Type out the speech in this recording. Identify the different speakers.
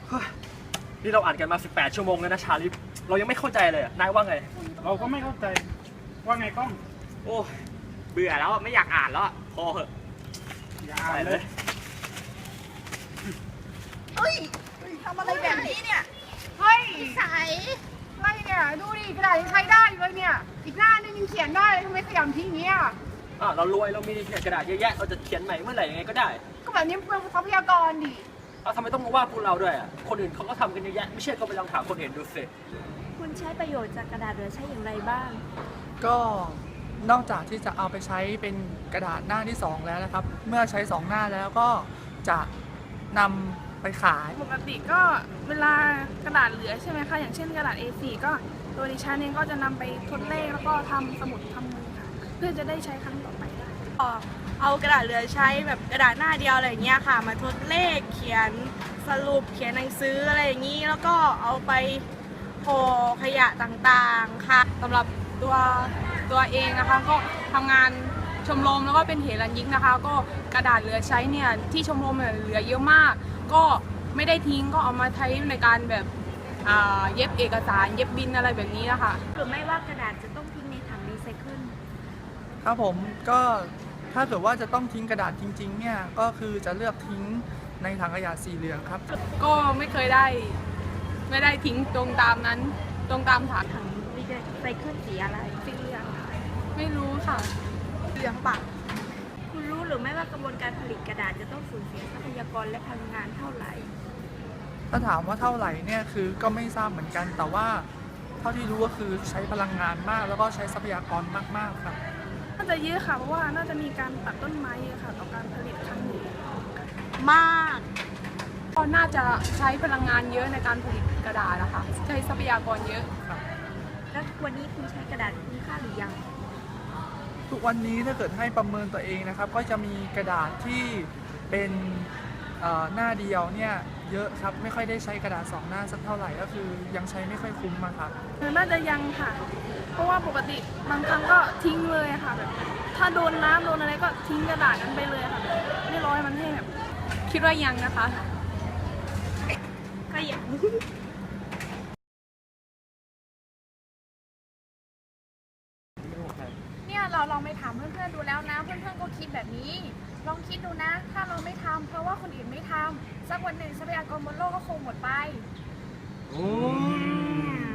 Speaker 1: นี่เราอ่านกันมา18 ชั่วโมงแล้วนะชาลิฟเรายังไม่เข้าใจเลยนายว่าไง
Speaker 2: เราก็ไม่เข้าใจว่าไงก้อง
Speaker 3: โอ้เบื่อแล้วไม่อยากอ่านแล้วพอเหอะ
Speaker 2: อย่าอ่านเลย
Speaker 4: เฮ้ยทำอะไรแบบนี้เนี่ย
Speaker 5: เฮ้ย
Speaker 4: ใส
Speaker 5: อะไรเนี่ยดูดิกระดาษยังใช้ได้อยู่เลยเนี่ยอีกหน้านึงยังเขียนได้เลยทำไมขยำทิ้งอย่างเงี้ย
Speaker 1: เรารวยเรามีกระดาษเยอะแยะเราจะเขียนใหม่เมื่อไหร่ยังไงก็ได้
Speaker 5: ก็แบบนี้เปลืองทรัพยากรดิ
Speaker 1: ทำไมต้องมาว่าพวกเราด้วยคนอื่นเขาก็ทำกันเยอะแยะไม่เชื่อก็ไปลองถามคนอื่นดูสิ
Speaker 6: คุณใช้ประโยชน์จากกระดาษเหลือใช้อย่างไรบ้าง
Speaker 7: ก็นอกจากที่จะเอาไปใช้เป็นกระดาษหน้าที่ 2 แล้วนะครับ เมื่อใช้ 2 หน้าแล้วก็จะนำไปขาย
Speaker 8: ปกติก็เวลากระดาษเหลือใช่ไหมคะอย่างเช่นกระดาษ A4 ก็ตัวดิฉันเองก็จะนำไปทดเลขแล้วก็ทำสมุดทำมือค่ะเพื่อจะได้ใช้ครั้งต่อไปได้
Speaker 6: เอากระดาษเหลือใช้แบบกระดาษหน้าเดียวอะไรอย่างเงี้ยค่ะ มาทดเลขเขียนสรุปเขียนหนังสืออะไรอย่างนี้แล้วก็เอาไปห่อขยะต่างๆค่ะ
Speaker 8: สำหรับตัวเองนะคะก็ทำงานชมรมแล้วก็เป็นเหรัญญิกนะคะ ก็กระดาษเหลือใช้เนี่ยที่ชมรมเนี่ยเหลือเยอะมาก ก็ไม่ได้ทิ้งก็เอามาใช้ในการแบบเย็บเอกสารเย็บบินอะไรแบบนี้นะคะ
Speaker 6: หรือไม่ว่ากระดาษจะต้องทิ้งในถังรีไซเคิล
Speaker 7: ครับผมก็ถ้าเกิดว่าจะต้องทิ้งกระดาษจริงๆเนี่ยก็คือจะเลือกทิ้งในถังขยะสีเหลืองครับ
Speaker 8: ก็ไม่เคยได้ทิ้งตรงตามนั้นตรงตามถัง
Speaker 6: ถังรีไซเคิลสีอะไร
Speaker 8: สีเหลืองค่ะไม่รู้ค่ะเหลืองปะ
Speaker 6: คุณรู้หรือไม่ว่ากระบวนการผลิตกระดาษจะต้องสูญเสียทรัพยากรและพลังงานเท่าไหร่
Speaker 7: ถ้าถามว่าเท่าไหร่เนี่ยคือก็ไม่ทราบเหมือนกัน แต่ว่าเท่าที่รู้ก็คือใช้พลังงานมากแล้วก็ใช้ทรัพยากรมากๆครับ
Speaker 8: น่าจะเยอะค่ะเพราะว่าน่าจะมีการตัดต้นไม้เยอะค่ะต่อการผลิตครั้งนี้
Speaker 6: มาก
Speaker 8: ก็น่าจะใช้พลังงานเยอะในการผลิตกระดาษนะคะใช้ทรัพยากรเยอะ
Speaker 6: แล้ววันนี้คุณใช้กระดาษคุ้มค่าหรือยัง
Speaker 7: ทุกวันนี้ถ้าเกิดให้ประเมินตัวเองนะครับ ก็จะมีกระดาษที่เป็นหน้าเดียวเนี่ยเยอะครับไม่ค่อยได้ใช้กระดาษ 2 หน้าสักเท่าไหร่ก็คือยังใช้ไม่ค่อยคุ้มอะครับ
Speaker 8: น่าจะยังค่ะ เพราะว่าปกติบางครั้งก็ทิ้งเลยค่ะแบบถ้าโดนน้ำโดนอะไรก็ทิ้งกระดาษนั้นไปเลยค่ะแบบไม่ร้อยมันให้แบบคิดว่ายังนะคะ
Speaker 6: ก็ยัง
Speaker 5: เนี่ยเราลองไปถามเพื่อนๆดูแล้วนะเพื่อนๆก็คิดแบบนี้ ลองคิดดูนะ ถ้าเราไม่ทำเพราะว่าคนอื่นไม่ทำสักวันหนึ่งทรัพยากรบนโลกก็คงหมดไป